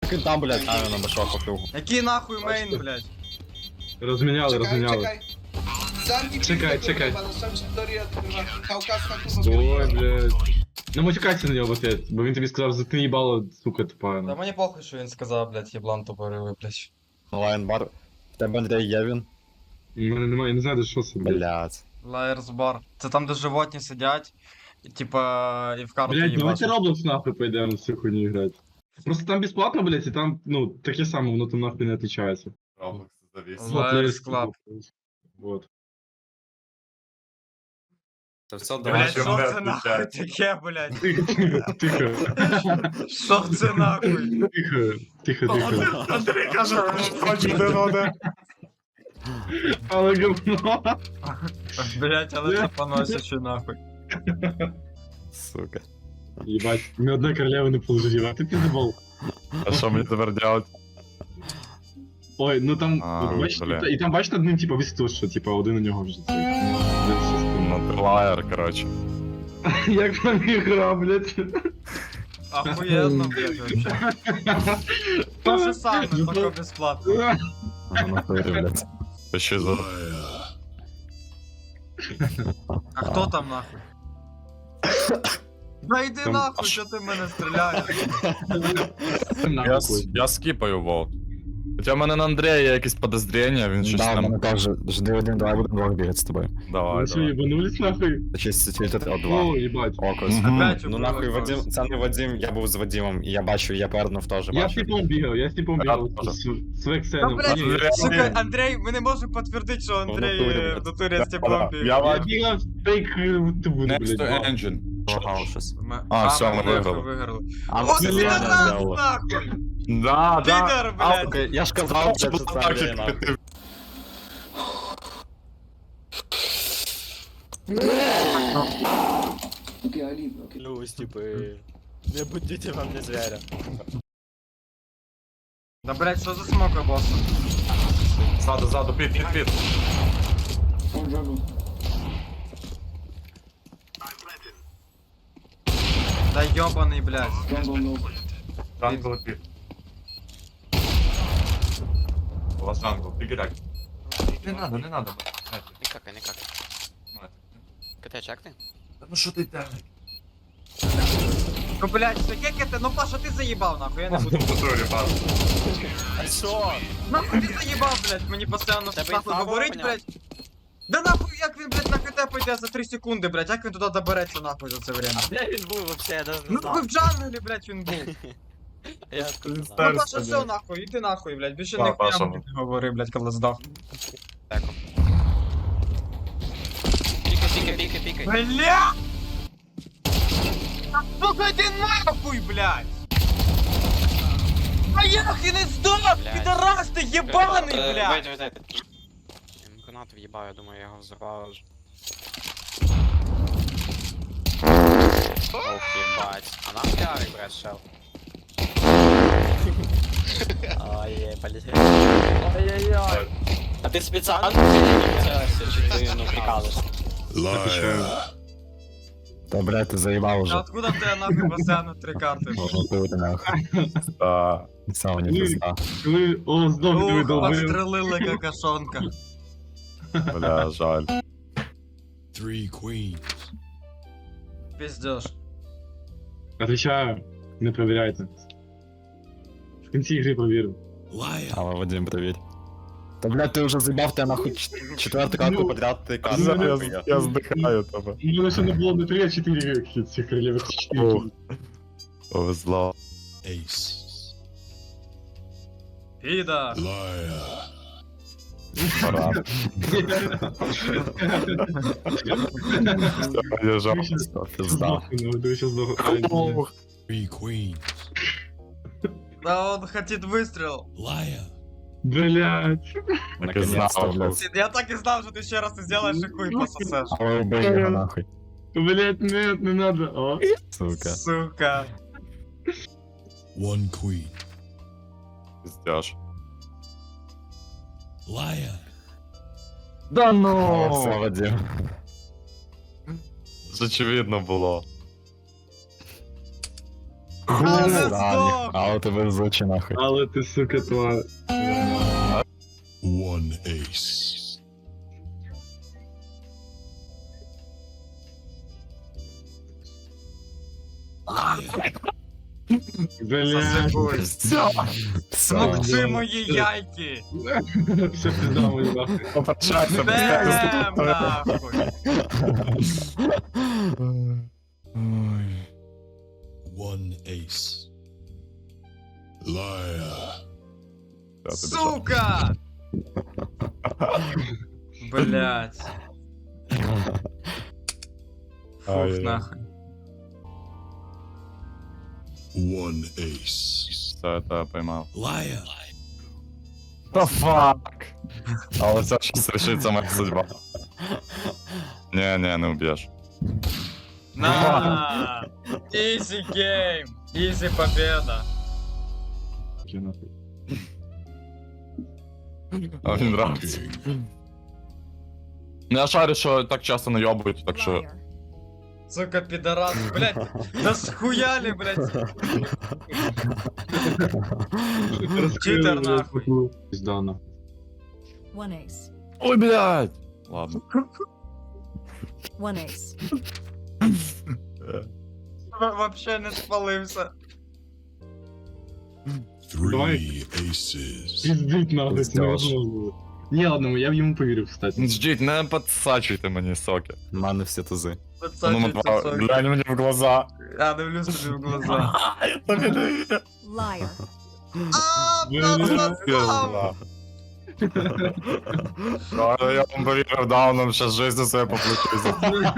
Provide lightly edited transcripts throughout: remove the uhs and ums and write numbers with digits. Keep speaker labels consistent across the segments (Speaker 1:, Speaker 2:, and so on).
Speaker 1: Так там, блядь, на башок покрив.
Speaker 2: Який нахуй мейн, блядь?
Speaker 3: Розміняли. Чекай. Ой, блядь. Ну матюкайся на нього в ответ, бо він тобі сказав, заткни їбало, сука,
Speaker 2: Та
Speaker 3: тупа.
Speaker 2: мені похуй, що він сказав, блядь, єблан тупорилий, блядь.
Speaker 1: Лайн-бар. В тебе, Андрій, є він?
Speaker 3: У мене немає, я не знаю, де що це, блядь.
Speaker 1: Блядь.
Speaker 2: Liars Bar. Це там, де животні сидять, і, типа, і в карту
Speaker 3: Блядь, давайте
Speaker 2: їбашать.
Speaker 3: Roblox нахуй пойдем в цю хуйню играть. Просто там бесплатно, блядь, и там, ну, таке саме, воно там нахуй не отличается.
Speaker 4: Роблокс завис.
Speaker 2: Liars Club.
Speaker 3: Вот.
Speaker 1: Це все
Speaker 2: Блядь,
Speaker 4: Давай,
Speaker 2: що
Speaker 4: чим не
Speaker 2: це нахуй
Speaker 4: відключається?
Speaker 2: таке, блядь?
Speaker 3: Тихо,
Speaker 2: Що це нахуй?
Speaker 3: тихо.
Speaker 4: Андрій каже, що хоче не надо.
Speaker 3: Але говно.
Speaker 2: Блядь, але це поносячи нахуй.
Speaker 1: Сука.
Speaker 3: Ебать, ни одной королевы не положили, а ты пиздобол.
Speaker 4: А що мені тепер делать?
Speaker 3: Ой, ну там,
Speaker 4: А,
Speaker 3: бачиш,
Speaker 4: бля.
Speaker 3: і там бачиш над ним, типа, висить, що, типа, один у нього вже цей.
Speaker 4: Ну, ти лаєр, коротше.
Speaker 3: Як вам ігра, блядь?
Speaker 2: Охуєнно, блядь, вообще. То же саме, тільки безплатно.
Speaker 1: Ага, нахуй, блядь.
Speaker 4: Ще за...
Speaker 2: А хто там нахуй? Да йди
Speaker 3: Там-
Speaker 2: нахуй, що ти в мене стріляєш?
Speaker 4: Я скіпаю волк. Хоча в мене на Андрія є якісь подозріння, він щось
Speaker 1: Да, в
Speaker 4: там...
Speaker 1: мене теж. Жди один, давай будемо двох бігати з тобою.
Speaker 4: Давай,
Speaker 3: Ви що,
Speaker 4: давай.
Speaker 3: ебанулись нахуй?
Speaker 1: Чисто тільки от два.
Speaker 3: О, ебать.
Speaker 1: Окос.
Speaker 4: Мгм.
Speaker 2: Опять
Speaker 1: Ну
Speaker 2: убив
Speaker 1: нахуй,
Speaker 2: якогось.
Speaker 1: Вадим, це не Вадим, я був з Вадимом, і я бачу, я пернув теж
Speaker 3: Я з
Speaker 1: бачу.
Speaker 3: типом бігав,
Speaker 4: теж.
Speaker 3: з
Speaker 2: Та,
Speaker 3: Вексеном.
Speaker 2: блядь,
Speaker 3: Ні,
Speaker 4: Андрій,
Speaker 2: сука, Андрій, ми не можемо підтвердити, що Андрій
Speaker 1: натурі, блядь.
Speaker 2: в натурі з теплом
Speaker 4: Я
Speaker 2: бігав.
Speaker 3: Я
Speaker 4: бачу.
Speaker 3: бігав фейк тубу,
Speaker 4: Next
Speaker 3: блядь.
Speaker 4: to engine.
Speaker 1: Лагав щось.
Speaker 4: А, все, ми
Speaker 2: виграли.
Speaker 4: виграли.
Speaker 1: А,
Speaker 2: Ось
Speaker 1: ну,
Speaker 2: ти
Speaker 1: я
Speaker 2: раз,
Speaker 1: не
Speaker 2: нахуй!
Speaker 4: Да, да.
Speaker 2: Підер, блядь!
Speaker 1: Я ж казав, блядь, що це Андрій, нахуй.
Speaker 5: Клянусь, типа, не будите во мне зверя.
Speaker 2: Да, блядь, що за смока, босс?
Speaker 4: Ззаду, під.
Speaker 2: Да ёбаный, блядь.
Speaker 4: Джангл під. У вас джангл, фігіряк. Не надо.
Speaker 5: Никак. КТ чекни?
Speaker 4: Ну що ти терник?
Speaker 2: Ну, блядь, що як это? Ну, Паша, ти заїбав, нахуй, я не буду.
Speaker 5: А що?
Speaker 2: Нахуй ти заїбав, блядь, мені постійно
Speaker 5: Тебе
Speaker 2: нахуй
Speaker 5: інфа
Speaker 2: говорить,
Speaker 5: поняв?
Speaker 2: блядь. Да нахуй, як він, блядь, на КТ пойде за 3 секунди, блядь, як він туди добереться, нахуй, за це время?
Speaker 5: Де він був вообще, я даже не
Speaker 2: Ну, нахуй
Speaker 5: знав.
Speaker 2: в джанглі, блядь, він був.
Speaker 5: Я откуда знав.
Speaker 2: Ну,
Speaker 4: Старся,
Speaker 2: Паша, все,
Speaker 4: блядь.
Speaker 2: нахуй, іди нахуй, блядь, більше
Speaker 4: Да,
Speaker 2: ніхуя
Speaker 4: Паша,
Speaker 2: мені не говори, блядь, коли здох.
Speaker 5: Пікай.
Speaker 2: Бля! Та сука, йди нахуй, блядь! А як він не здох,
Speaker 5: Блядь.
Speaker 2: підарас ти єбаний, блядь!
Speaker 5: Вийди. Я йому гранату в'їбав, я думаю, я його взорвав вже. Ох, єбать. А нам піарик, брат, шел. Ой, полетели. Ой-ой-ой. А ти спеціально целишся, чи ти, ну, прикалуєшся?
Speaker 1: Та, блядь, ти заїбав
Speaker 2: А
Speaker 1: уже.
Speaker 2: откуда в тебе нахуй басейну 3 карти?
Speaker 1: Ну, ти нахуй.
Speaker 4: Да.
Speaker 1: Сам не пизда.
Speaker 3: Коли, о, здох, диви,
Speaker 2: Ух,
Speaker 3: долбив.
Speaker 2: подстрелили какашонка.
Speaker 4: Бля, жаль.
Speaker 6: Three queens.
Speaker 2: Пиздешь.
Speaker 3: Отвечаю, не проверяйте. В кінці ігри провірив.
Speaker 6: Liar.
Speaker 1: Але Вадим, привіт. Та, блядь, ти вже заїбав, тебе нахуй четверту карту подряд, ти карту.
Speaker 4: Я здихаю тебе.
Speaker 3: У мене ще не було не 3, а 4 цих королевих. 4.
Speaker 4: Повезло.
Speaker 6: Ace.
Speaker 2: Пида.
Speaker 6: Liar.
Speaker 4: Пора. Я жав.
Speaker 1: Пизда.
Speaker 3: Ти ще здох.
Speaker 6: Three queens.
Speaker 2: Да он хотит выстрел.
Speaker 6: Liar.
Speaker 3: Блять.
Speaker 1: Наконец-то, блядь.
Speaker 2: Я так и знал, что ты еще раз сделаешь и хуй пососешь.
Speaker 1: Але убий його нахуй.
Speaker 3: Блять, нет, не надо. О.
Speaker 1: Сука.
Speaker 2: Сука.
Speaker 6: One queen.
Speaker 4: Пиздяш.
Speaker 6: Liar.
Speaker 1: Да ну! Все, Вадим.
Speaker 4: Це очевидно було.
Speaker 2: Але
Speaker 1: Срані. Але ти везучий нахуй.
Speaker 3: Але ти, сука, тварь.
Speaker 6: One ace.
Speaker 3: Бля.
Speaker 2: Засипуй.
Speaker 1: Все.
Speaker 2: Смокчи мої яйки.
Speaker 3: Все пизда мені нахуй.
Speaker 4: Попрощайся,
Speaker 2: Бем, нахуй.
Speaker 6: One ace. Liar.
Speaker 2: Сука! Блять. Фух,
Speaker 4: Ай-яй.
Speaker 2: нахуй.
Speaker 6: One ace.
Speaker 4: Все, это поймав.
Speaker 6: Liar.
Speaker 4: Да фак! Але це щось рішиться моя судьба. Не уб'єш.
Speaker 2: На! Easy game! Easy победа!
Speaker 3: Таке нахуй.
Speaker 4: А мені нравиться. Ну я шарю, що так часто найобують, так що...
Speaker 2: Сука, пидорас, блять! Да схуяли, блять! Читер, нахуй.
Speaker 3: Пизда нахуй.
Speaker 7: One ace.
Speaker 4: Ой, блядь! Ладно.
Speaker 7: One ace.
Speaker 2: Вообще не спалився.
Speaker 6: Three aces.
Speaker 3: Пиздить нахуй, це
Speaker 1: Пиздяж.
Speaker 3: невозможно. Ні, ладно, я б йому повірив, кстати.
Speaker 4: Ждіть, не підсачуйте мені соки.
Speaker 1: У мене всі тузи.
Speaker 4: Ну, Матва, глянь мені в глаза.
Speaker 2: Я дивлюсь тобі в глаза.
Speaker 4: Я тобі не вірю.
Speaker 7: Liar.
Speaker 2: Пизда.
Speaker 4: Я вам повірив, дауном ще жизнь своє поплачуся.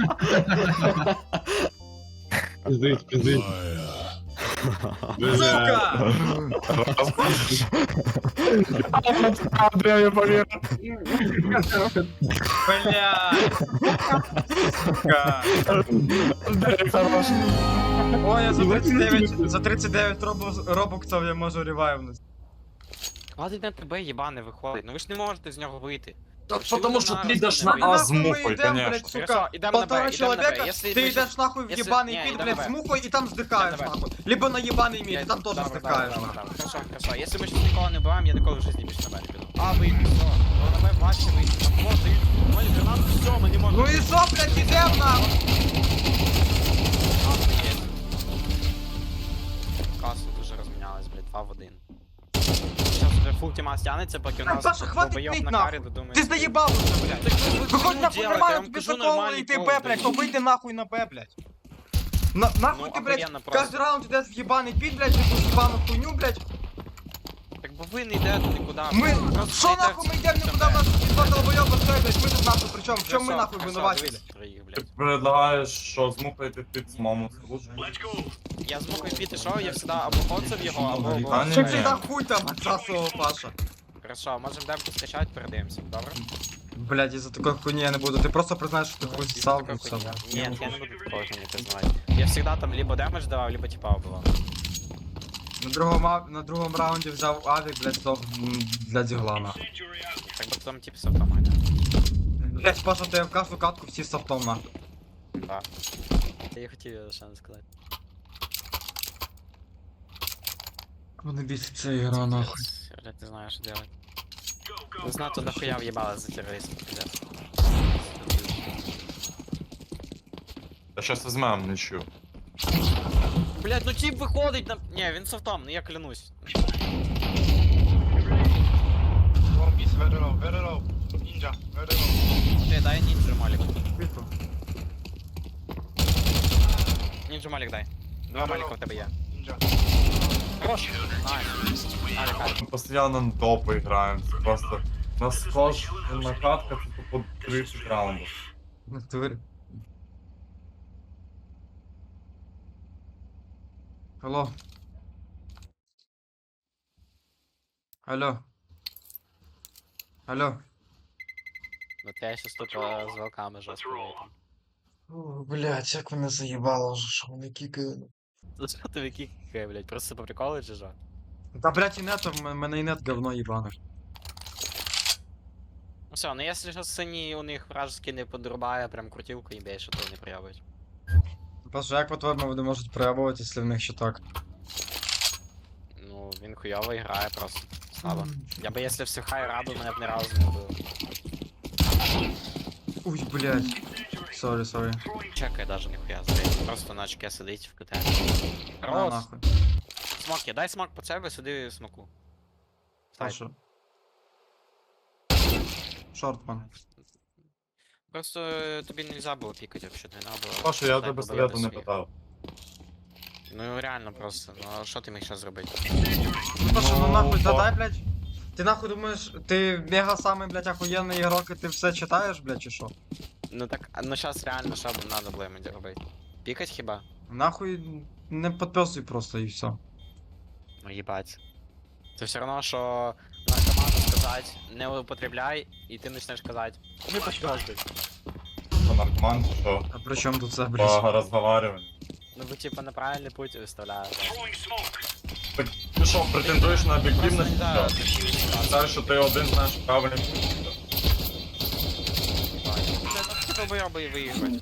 Speaker 3: Пиздить, пиздить.
Speaker 6: Liar.
Speaker 2: Сука!
Speaker 4: Андрій, я повірив.
Speaker 2: Бля! Сука!
Speaker 4: Андрій, хорош.
Speaker 2: Ой, я за 39 робоксів я можу ревайвнути.
Speaker 5: Хватить на тебе, єбане, виходить. Ну ви ж не можете з нього вийти.
Speaker 4: Потому що ти йдеш на
Speaker 2: І
Speaker 4: А
Speaker 2: нахуй
Speaker 4: з
Speaker 2: ми
Speaker 4: мухою,
Speaker 2: йдем,
Speaker 4: конечно.
Speaker 2: блядь, сука,
Speaker 5: Хорошо, ідемо на Б,
Speaker 2: полтора
Speaker 5: ідемо на Б.
Speaker 2: человека,
Speaker 5: Якщо
Speaker 2: ты
Speaker 5: ми
Speaker 2: идешь нахуй в
Speaker 5: Если-
Speaker 2: ебаный
Speaker 5: не,
Speaker 2: пит,
Speaker 5: идем
Speaker 2: блядь,
Speaker 5: на
Speaker 2: с
Speaker 5: Б.
Speaker 2: мухой, и там вздыхаешь,
Speaker 5: Давай.
Speaker 2: нахуй. Либо на ебаный мир, и там тоже
Speaker 5: Давай,
Speaker 2: вздыхаешь,
Speaker 5: давай,
Speaker 2: нахуй.
Speaker 5: давай. Хорошо, хорошо. Якщо ми щось нікого не буваємо, я ніколи в житті більше на Б не піду. А, вийду, все. То на Б матчі вийду. Там вот, дають. Молі, гранату, все, ми не можемо.
Speaker 2: Ну и шо, блядь, идем, нахуй.
Speaker 5: Касу дуже розмінялась, блядь, 2 в 1. Зараз вже фул тіма стягнеться, поки у нас
Speaker 2: Паша, хватит
Speaker 5: долбойоб
Speaker 2: ныть,
Speaker 5: на
Speaker 2: нахуй.
Speaker 5: карі додумає.
Speaker 2: Ты заебал уже, блядь. Выходь нахуй нормально, тебе шатовано, и ты Б, блядь, то выйди нахуй на Б, блядь. Нахуй
Speaker 5: Ну,
Speaker 2: ты, блядь,
Speaker 5: охуенно просто.
Speaker 2: каждый раунд идешь в ебаный пит, блядь, эту ебаную хуйню, блядь.
Speaker 5: Так бо ви не йдете нікуди.
Speaker 2: Мы,
Speaker 5: Просто
Speaker 2: шо
Speaker 5: йдете
Speaker 2: нахуй мы идем
Speaker 5: в
Speaker 2: никуда, у
Speaker 5: Б.
Speaker 2: нас тут два долбоеба стоят, блядь, мы тут нахуй, причем, в чем мы
Speaker 5: Хорошо,
Speaker 2: нахуй
Speaker 5: хорошо,
Speaker 2: виноваты,
Speaker 5: дивись,
Speaker 2: блядь?
Speaker 5: троїх,
Speaker 4: Ти
Speaker 5: блядь.
Speaker 4: предлагаєш, що змухаєте під самому службу?
Speaker 5: Я з мукою піти, що я завжди або коцав його, або...
Speaker 4: Та ні,
Speaker 2: Чем
Speaker 4: ні.
Speaker 2: всегда хуй там отсасывал, Паша?
Speaker 5: Хорошо, можемо демку скачати, передаємося, добре?
Speaker 2: Блядь, из-за такой хуйни я не буду, ты просто признаешь, что ты хуй ссал, и всё.
Speaker 5: Нет, я не буду такого не признавать. Я всегда там либо демедж давав, либо типа убивав.
Speaker 2: На другом раунде взял авик, блядь, для дигла, нахуй.
Speaker 5: Так би там типа автомат.
Speaker 2: Блядь, Паша, ты в каждую катку всі с автом, нахуй.
Speaker 5: Да. Я хотів ще не сказати.
Speaker 2: Мене бісить ця ігра, нахуй.
Speaker 5: Я не знаю, що делать. Не знаю, то нахуя в'їбали за терористів, пиздец.
Speaker 4: Та щас візьмем, нічу.
Speaker 5: Блять, ну тип виходить на... Не, він софтом, ну я клянусь. Ти дай нінджу малік. Нінджу малік дай. Два маліка в тебе є. Хорош. Найс. Алік, алік.
Speaker 4: Ми постійно на топи граємо, це просто... У нас кожна катка це по 30 раундів.
Speaker 2: В натурі. Алло. Алло. Алло.
Speaker 5: Ну я щас тут з волками жорстко вийду.
Speaker 2: О, блядь, як мене заїбало вже, що вони кікають.
Speaker 5: За що тобі кікає, блять? Просто по приколу чи що?
Speaker 2: Та, блядь, і нет, в мене і нет говно їбане.
Speaker 5: Ну все, ну якщо що синій у них вражеский не подрубає, прям крутілку їм більше, то не проявить.
Speaker 2: Паша, як по-твоєму вони можуть проявувати, якщо в них ще так?
Speaker 5: він хуйово грає просто. Слабо. Я би, якщо всю хай раду, мене б не разу не вбив.
Speaker 2: Ой, блядь. Сорі.
Speaker 5: Чекай даже ніхуя здається. Просто на очке сидить в КТ.
Speaker 2: На
Speaker 5: Рос!
Speaker 2: нахуй.
Speaker 5: Смок є, дай смок по себе, сиди смоку. Стай.
Speaker 2: Хорошо. Шортман.
Speaker 5: Просто тобі нельзя було пікати вообще, не надо було.
Speaker 4: Паша, я
Speaker 5: дай
Speaker 4: тебе
Speaker 5: побояти
Speaker 4: совету не
Speaker 5: своїх.
Speaker 4: питав.
Speaker 5: Ну реально просто, ну а що ти міг зараз зробити?
Speaker 2: Ну то що, ну
Speaker 4: Ну,
Speaker 2: нахуй,
Speaker 4: то-
Speaker 2: дай, блядь. Ти нахуй думаєш, ти мега самий, блядь, охуєнний ігрок, і ти все читаєш, блядь, чи що?
Speaker 5: Ну так, ну зараз реально, що б надо було йому робити? Пікать хіба?
Speaker 2: Нахуй не підписуй просто і все.
Speaker 5: Ну їбать. Це все одно, що на команду сказати, не употребляй, і ти почнеш казати, ми підписуй.
Speaker 4: Що, наркоман чи що?
Speaker 2: А при чому тут це, блядь?
Speaker 4: По розговарюванню.
Speaker 5: Ну бо типа на правильний путь виставляю.
Speaker 4: Так ти що, претендуєш на об'єктивність?
Speaker 5: Просто,
Speaker 4: чи
Speaker 5: да,
Speaker 4: що? Знаєш, що ти один знаєш правильний путь?
Speaker 5: Це ну, типа бойоби і виіграти.